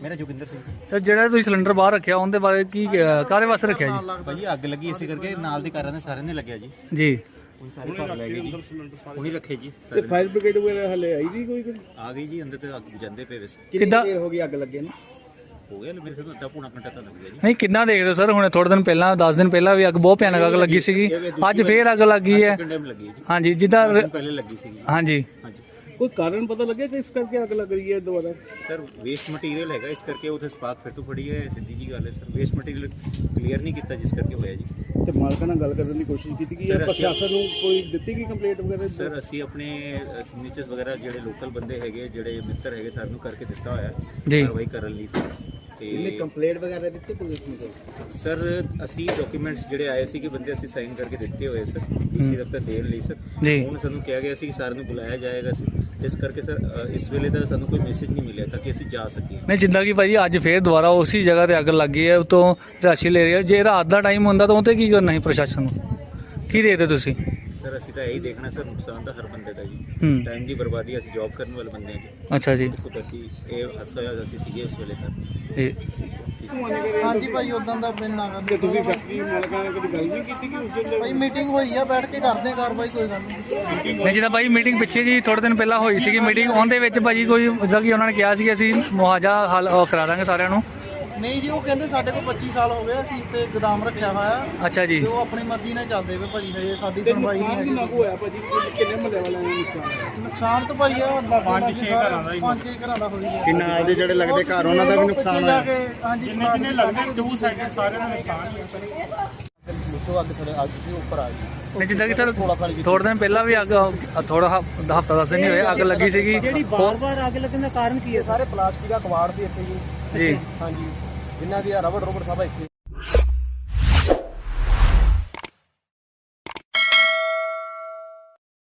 ਮੇਰਾ ਜੋਗਿੰਦਰ ਸਿੰਘ ਸਰ ਜਿਹੜਾ ਤੁਸੀਂ ਸਿਲੰਡਰ ਬਾਹਰ ਰੱਖਿਆ ਉਹਦੇ ਬਾਰੇ ਕੀ ਕਾਹਦੇ ਵਾਸਤੇ ਰੱਖਿਆ ਜੀ? ਭਾਜੀ ਅੱਗ ਲੱਗੀ ਇਸੇ ਕਰਕੇ ਨਾਲ ਦੇ ਘਰਾਂ ਦੇ ਸਾਰਿਆਂ ਨੇ ਲੱਗਿਆ ਜੀ। ਜੀ ਹੁਣ ਸਾਰੇ ਘਰ ਲੈ ਗਏ ਜੀ, ਹੁਣੀ ਰੱਖੇ ਜੀ। ਤੇ ਫਾਇਰ ਬ੍ਰਿਗੇਡ ਵਗੈਰਾ ਹਲੇ ਆਈ ਨਹੀਂ ਕੋਈ? ਆ ਗਈ ਜੀ, ਅੰਦਰ ਤੇ ਅੱਗ ਬੁਝਾਉਂਦੇ ਪਏ ਵੈਸੇ। ਕਿੱਦਾਂ ਦੇਰ ਹੋ ਗਈ ਅੱਗ ਲੱਗੇ ਨੂੰ? ਹੋ ਗਿਆ ਮੇਰੇ ਸੇ ਅੱਧਾ ਪੌਣਾ ਘੰਟਾ ਤਾਂ ਲੱਗ ਗਿਆ ਜੀ। ਨਹੀਂ ਕਿੰਨਾ ਦੇਖਦੇ ਹੋ ਸਰ? ਹੁਣ ਥੋੜੇ ਦਿਨ ਪਹਿਲਾਂ 10 ਦਿਨ ਪਹਿਲਾਂ ਵੀ ਅੱਗ ਬਹੁਤ ਭਿਆਨਕ ਅੱਗ ਲੱਗੀ ਸੀਗੀ, ਅੱਜ ਫੇਰ ਅੱਗ ਲੱਗੀ ਹੈ। ਕਿੰਨੇ ਲੱਗੀ ਜੀ? ਹਾਂਜੀ ਜਿੱਦਾਂ ਪਹਿਲੇ ਲੱਗੀ ਸੀ। ਹਾਂਜੀ ਹਾਂਜੀ ਕੋਈ ਕਾਰਨ ਪਤਾ ਲੱਗਿਆ ਕਿ ਇਸ ਕਰਕੇ ਅੱਗ ਲੱਗ ਰਹੀ ਹੈ ਦੁਬਾਰਾ? ਸਰ ਵੇਸਟ ਮਟੀਰੀਅਲ ਹੈਗਾ, ਇਸ ਕਰਕੇ ਉੱਥੇ ਸਪਾਰਕ ਫਿਰ ਤੋਂ ਫੜੀ ਹੈ। ਸਿੱਧੀ ਜੀ ਗੱਲ ਹੈ ਸਰ, ਵੇਸਟ ਮਟੀਰੀਅਲ ਕਲੀਅਰ ਨਹੀਂ ਕੀਤਾ ਜਿਸ ਕਰਕੇ ਹੋਇਆ ਜੀ। ਤੇ ਮਾਲਕਾਂ ਨਾਲ ਗੱਲ ਕਰਨ ਦੀ ਕੋਸ਼ਿਸ਼ ਕੀਤੀ ਕਿ ਸਰ, ਪ੍ਰਸ਼ਾਸਨ ਨੂੰ ਕੋਈ ਦਿੱਤੀ ਗਈ ਕੰਪਲੇਂਟ ਵਗੈਰਾ? ਸਰ ਅਸੀਂ ਆਪਣੇ ਸਿਗਨੇਚਰਸ ਵਗੈਰਾ ਜਿਹੜੇ ਲੋਕਲ ਬੰਦੇ ਹੈਗੇ, ਜਿਹੜੇ ਮਿੱਤਰ ਹੈਗੇ, ਸਾਰਿਆਂ ਨੂੰ ਕਰਕੇ ਦਿੱਤਾ ਹੋਇਆ ਜੀ। ਕਾਰਵਾਈ ਕਰਨ ਲਈ ਸਰ। ਤੇ ਕੰਪਲੇਂਟ ਵਗੈਰਾ ਦਿੱਤੀ ਪੁਲਿਸ ਨੂੰ? ਸਰ ਅਸੀਂ ਡਾਕੂਮੈਂਟਸ ਜਿਹੜੇ ਆਏ ਸੀ ਕਿ ਬੰਦੇ ਅਸੀਂ ਸਾਈਨ ਕਰਕੇ ਦਿੱਤੇ ਹੋਏ ਸਰ, ਡੀਸੀ ਦਫ਼ਤਰ ਦੇਣ ਲਈ ਸਰ। ਜੀ। ਹੁਣ ਸਾਨੂੰ ਕਿਹਾ ਗਿਆ ਸੀ ਕਿ ਸਾਰਿਆਂ ਨੂੰ ਬੁਲਾਇਆ ਜਾਏਗਾ ਸੀ, ਇਸ ਕਰਕੇ ਸਰ ਇਸ ਵੇਲੇ ਤਾਂ ਸਾਨੂੰ ਕੋਈ ਮੈਸੇਜ ਨਹੀਂ ਮਿਲਿਆ ਤਾਂ ਕਿ ਅਸੀਂ ਜਾ ਸਕੀਏ। ਨਹੀਂ ਜਿੱਦਾਂ ਕਿ ਭਾਜੀ ਅੱਜ ਫੇਰ ਦੁਬਾਰਾ ਉਸੇ ਜਗ੍ਹਾ ਤੇ ਅੱਗ ਲੱਗੀ ਹੈ, ਉਤੋਂ ਰਾਸ਼ੀ ਲੈ ਰਹੀ ਹੈ। ਜੇ ਰਾਤ ਦਾ ਟਾਈਮ ਹੁੰਦਾ ਤਾਂ ਉਹ ਤੇ ਕੀ ਕਰਨਾ ਸੀ ਪ੍ਰਸ਼ਾਸਨ ਨੂੰ? ਕੀ ਦੇਖਦੇ ਤੁਸੀਂ? ਸਰ ਅਸੀਂ ਤਾਂ ਇਹੀ ਦੇਖਣਾ ਸਰ, ਨੁਕਸਾਨ ਤਾਂ ਹਰ ਬੰਦੇ ਦਾ ਜੀ। ਹੂੰ। ਟਾਈਮ ਦੀ ਬਰਬਾਦੀ, ਅਸੀਂ ਜੌਬ ਕਰਨ ਵਾਲੇ ਬੰਦੇ ਹਾਂ ਜੀ। ਅੱਛਾ ਜੀ। ਕੁਦਰਤੀ ਇਹ ਹਾਦਸਾ ਹੋਇਆ, ਅਸੀਂ ਸੀਗੇ ਉਸ ਵੇਲੇ ਤਾਂ। ਜੀ ਹਾਂਜੀ ਭਾਈ ਉਦਾਂ ਦਾ ਬਿਨ ਨਾ ਤੇ ਤੁਸੀਂ ਫੈਕਟਰੀ ਮਾਲਕਾਂ ਨਾਲ ਕਦੀ ਗੱਲ ਨਹੀਂ ਕੀਤੀ ਕਿ ਉਸ ਦਿਨ ਭਾਈ ਮੀਟਿੰਗ ਹੋਈ ਆ, ਬੈਠ ਕੇ ਕਰਦੇ ਆ ਕਾਰਵਾਈ, ਕੋਈ ਗੱਲ ਨਹੀਂ। ਨਹੀਂ ਜਿੱਦਾਂ ਭਾਈ ਮੀਟਿੰਗ ਪਿੱਛੇ ਜੀ ਥੋੜੇ ਦਿਨ ਪਹਿਲਾਂ ਹੋਈ ਸੀਗੀ ਮੀਟਿੰਗ, ਉਹਦੇ ਵਿੱਚ ਭਾਜੀ ਕੋਈ ਜਿੱਦਾਂ ਕਿ ਉਹਨਾਂ ਨੇ ਕਿਹਾ ਸੀ ਕਿ ਅਸੀਂ ਮੁਆਵਜ਼ਾ ਹੱਲ ਕਰਾ ਦਾਂਗੇ ਸਾਰਿਆਂ ਨੂੰ। ਨਹੀਂ ਜੀ, ਉਹ ਕਹਿੰਦੇ ਸਾਡੇ ਕੋਲ 25 ਸਾਲ ਹੋ ਗਏ, ਅਸੀਂ ਤੇ ਗੋਦਾਮ ਰੱਖਿਆ ਹੋਇਆ ਅੱਛਾ ਜੀ। ਤੇ ਉਹ ਆਪਣੀ ਮਰਜ਼ੀ ਨਾਲ ਚੱਲਦੇ ਵੇ ਭਾਜੀ, ਹਜੇ ਸਾਡੀ ਸੁਣਵਾਈ ਨਹੀਂ ਹੈਗੀ। ਲਾਗੂ ਹੋਇਆ ਭਾਜੀ? ਕਿੰਨੇ ਮਹੱਲੇ ਵਾਲਿਆਂ ਨੂੰ ਨੁਕਸਾਨ? ਨੁਕਸਾਨ ਤਾਂ ਭਾਈ ਆ 5-6 ਘਰਾਂ ਦਾ ਹੋਈ ਹੈ। ਕਿ ਨਾਲ ਦੇ ਜਿਹੜੇ ਲੱਗਦੇ ਘਰ ਉਹਨਾਂ ਦਾ ਵੀ ਨੁਕਸਾਨ ਹੋਇਆ? ਹਾਂਜੀ ਜਿੰਨੇ ਲੱਗਦੇ ਦੋ ਸਾਈਡ ਸਾਰਿਆਂ ਦਾ ਨੁਕਸਾਨ ਨਹੀਂ ਜਿੱਦਾਂ ਕਿ ਸਰ ਥੋੜੇ ਦਿਨ ਪਹਿਲਾਂ ਵੀ ਅੱਗ ਥੋੜਾ ਹਫਤਾ 10 ਦਿਨ ਨਹੀਂ ਹੋਏ ਅੱਗ ਲੱਗੀ ਸੀਗੀ। ਜਿਹੜੀ ਬਾਰ-ਬਾਰ ਅੱਗ ਲੱਗਣ ਦਾ ਕਾਰਨ ਕੀ ਹੈ? ਸਾਰੇ ਪਲਾਸਟਿਕ ਦਾ ਕਵਾੜ ਸੀ ਇੱਥੇ ਜੀ। ਜੀ ਹਾਂਜੀ, ਜਿਨ੍ਹਾਂ ਦੀ ਰਬੜ ਸਭ ਇੱਥੇ